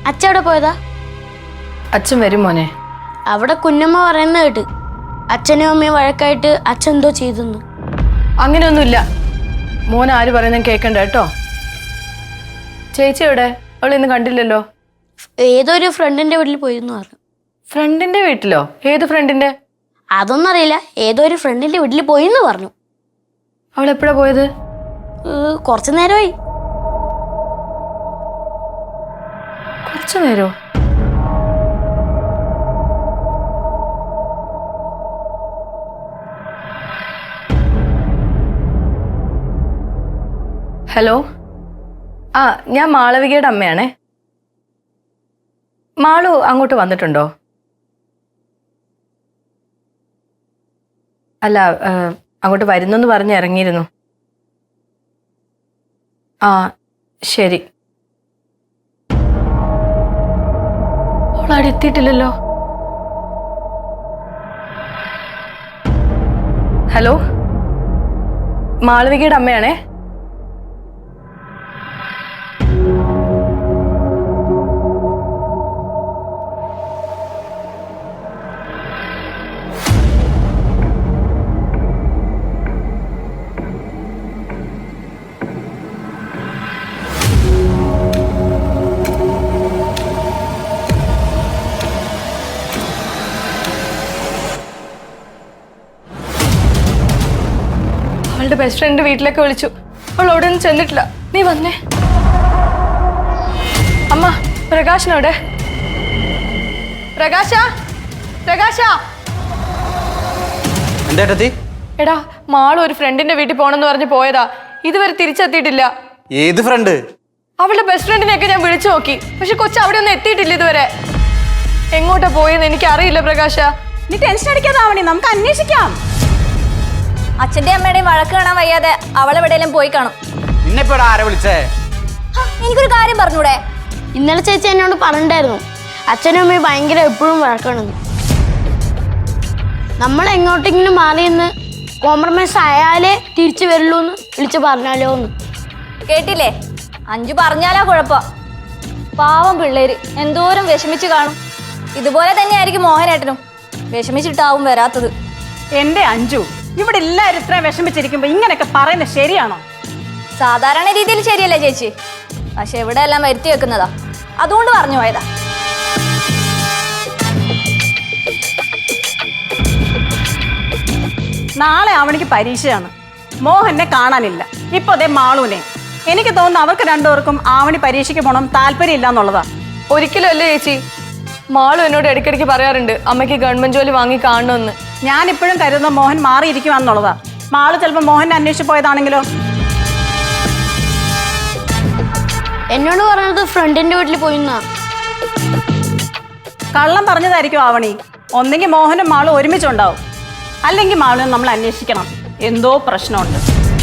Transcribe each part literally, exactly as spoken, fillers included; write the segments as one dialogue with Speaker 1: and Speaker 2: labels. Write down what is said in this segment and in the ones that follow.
Speaker 1: അച്ഛൻ എവിടെ പോയതാ?
Speaker 2: അച്ഛൻ വരും മോനെ.
Speaker 1: അവിടെ കുഞ്ഞമ്മ പറയുന്ന കേട്ട് അച്ഛനും അമ്മയും വഴക്കായിട്ട് അച്ഛൻ എന്തോ ചെയ്തെന്ന്.
Speaker 2: അങ്ങനെയൊന്നുമില്ല. മോൻ ആര് പറയുന്നത് കേൾക്കണ്ട കേട്ടോ. ചേച്ചി എവിടെ? അവൾ ഇന്ന് കണ്ടില്ലല്ലോ.
Speaker 1: ഏതൊരു ഫ്രണ്ടിന്റെ വീട്ടിൽ പോയിരുന്നു പറഞ്ഞു.
Speaker 2: ഫ്രണ്ടിന്റെ വീട്ടിലോ? ഏത് ഫ്രണ്ടിന്റെ?
Speaker 1: അതൊന്നും അറിയില്ല. ഏതോ ഒരു ഫ്രണ്ടിന്റെ വീട്ടിൽ പോയിന്ന് പറഞ്ഞു.
Speaker 2: അവൾ എപ്പോഴാ പോയത്?
Speaker 1: കുറച്ചു നേരമായി.
Speaker 2: കുറച്ചു നേരോ? ഹലോ, ആ ഞാൻ മാളവികയുടെ അമ്മയാണേ. മാളു അങ്ങോട്ട് വന്നിട്ടുണ്ടോ? അല്ല, അങ്ങോട്ട് വരുന്നെന്ന് പറഞ്ഞ് ഇറങ്ങിയിരുന്നു. ആ ശരി. അവളവിടെ എത്തിയിട്ടില്ലല്ലോ. ഹലോ, മാളവികയുടെ അമ്മയാണേ. അവളുടെ ബെസ്റ്റ് ഫ്രണ്ട് വീട്ടിലേക്ക് വിളിച്ചു. അവൾ അവിടെ ഒന്നും ചെന്നിട്ടില്ല. നീ വന്നേ. അമ്മ, പ്രകാശനോടെ? പ്രകാശ, പ്രകാശ. എടാ, മാളു ഒരു ഫ്രണ്ടിന്റെ വീട്ടിൽ പോണെന്ന് പറഞ്ഞ് പോയതാ. ഇതുവരെ തിരിച്ചെത്തിയിട്ടില്ല.
Speaker 3: ഏത് ഫ്രണ്ട്?
Speaker 2: അവളുടെ ബെസ്റ്റ് ഫ്രണ്ടിനെയൊക്കെ ഞാൻ വിളിച്ചു നോക്കി. പക്ഷെ കൊച്ചു അവിടെ ഒന്നും എത്തിയിട്ടില്ല ഇതുവരെ. എങ്ങോട്ടാ പോയെന്ന് എനിക്ക് അറിയില്ല പ്രകാശ.
Speaker 4: നീ ടെൻഷൻ അടിക്കാതാവണി, നമുക്ക് അന്വേഷിക്കാം.
Speaker 5: അച്ഛന്റെ അമ്മയുടെയും വഴക്ക് കാണാൻ വയ്യാതെ അവളെവിടെയെങ്കിലും പോയി കാണും.
Speaker 3: നിന്നെപ്പോഴാ ആരെ വിളിച്ചേ?
Speaker 5: എനിക്കൊരു കാര്യം പറഞ്ഞൂടെ?
Speaker 1: ഇന്നലെ ചേച്ചി എന്നോട് പറഞ്ഞിട്ടായിരുന്നു അച്ഛനും അമ്മയും ഭയങ്കര എപ്പോഴും വഴക്കാണെന്ന്. നമ്മൾ എങ്ങോട്ടെങ്കിലും മാറിയെന്ന് കോംപ്രമൈസ് ആയാലേ തിരിച്ചു വരുള്ളൂ എന്ന് വിളിച്ച് പറഞ്ഞാലോ എന്ന്.
Speaker 5: കേട്ടില്ലേ? അഞ്ചു പറഞ്ഞാലാ കുഴപ്പം. പാവം പിള്ളേര് എന്തോരം വിഷമിച്ചു കാണും. ഇതുപോലെ തന്നെയായിരിക്കും മോഹനേട്ടനും. വിഷമിച്ചിട്ടാവും വരാത്തത്.
Speaker 4: എന്റെ അഞ്ചു, ഇവിടെ എല്ലാവരും ഇത്ര വിഷമിച്ചിരിക്കുമ്പോ ഇങ്ങനെയൊക്കെ പറയുന്നത് ശരിയാണോ?
Speaker 5: സാധാരണ രീതിയിൽ ശരിയല്ലേ ചേച്ചി? പക്ഷെ ഇവിടെ എല്ലാം വരുത്തി വെക്കുന്നതാ. അതുകൊണ്ട് പറഞ്ഞു പോയതാ.
Speaker 4: നാളെ അവനിക്ക് പരീക്ഷയാണ്. മോഹനെ കാണാനില്ല. ഇപ്പൊ അതേ മാളൂനെ. എനിക്ക് തോന്നുന്നു അവർക്ക് രണ്ടുപേർക്കും ആവണി പരീക്ഷയ്ക്ക് പോകണം താല്പര്യം ഇല്ല എന്നുള്ളതാ.
Speaker 2: ഒരിക്കലും അല്ലേ ചേച്ചി. മാളു എന്നോട് ഇടയ്ക്കിടയ്ക്ക് പറയാറുണ്ട് അമ്മയ്ക്ക് ഗവൺമെന്റ് ജോലി വാങ്ങി കാണണമെന്ന്.
Speaker 4: ഞാൻ ഇപ്പോഴും കരുതുന്ന മോഹൻ മാറിയിരിക്കുവാന്നുള്ളതാ. മാളു ചിലപ്പോ മോഹനെ അന്വേഷിച്ച് പോയതാണെങ്കിലോ?
Speaker 1: എന്നോട് പറഞ്ഞത് ഫ്രണ്ടിന്റെ വീട്ടിൽ പോയിന്നാ.
Speaker 4: കള്ളം പറഞ്ഞതായിരിക്കും ആവണി. ഒന്നെങ്കിൽ മോഹനും മാളും ഒരുമിച്ചുണ്ടാവും, അല്ലെങ്കിൽ മാളും നമ്മൾ അന്വേഷിക്കണം. എന്തോ പ്രശ്നമുണ്ട്.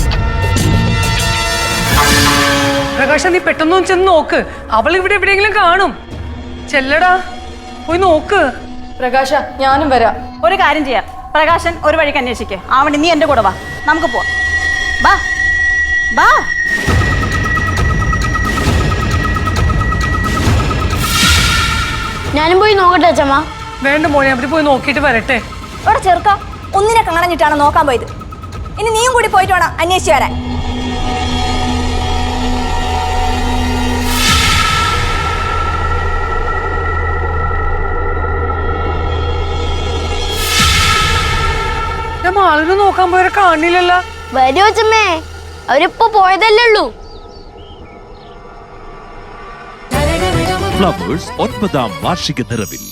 Speaker 6: പ്രകാശ, നീ പെട്ടെന്ന് ചെന്ന് നോക്ക്. അവൾ ഇവിടെ എവിടെയെങ്കിലും കാണും. ചെല്ലടാ, പോയി നോക്ക്.
Speaker 2: പ്രകാശ, ഞാനും വരാം.
Speaker 4: ഒരു കാര്യം ചെയ്യാം, പ്രകാശൻ ഒരു വഴിക്ക് അന്വേഷിക്കേ. ആവണി, നീ എന്റെ കൂടെ വാ, നമുക്ക് പോവാം. ബാ ബാ.
Speaker 1: ഞാനും പോയി നോക്കട്ടെ അച്ഛമ്മ.
Speaker 6: വേണ്ട മോനെ, അവിടെ പോയി നോക്കിയിട്ട് വരട്ടെ.
Speaker 5: ഇവിടെ ചെറുക്ക ഒന്നിനെ കാണഞ്ഞിട്ടാണ് നോക്കാൻ പോയത്. ഇനി നീയും കൂടി പോയിട്ട് വേണം അന്വേഷിച്ചു വരാൻ.
Speaker 6: ഞാൻ മാളിന് നോക്കാൻ പോയവരെ കാണില്ലല്ലോ.
Speaker 1: വരൂ അച്ഛമ്മേ, അവരിപ്പോ പോയതല്ലേ ഉള്ളൂ.
Speaker 7: ഫ്ലവേഴ്സ് ഒൻപതാം വാർഷിക നിറവിൽ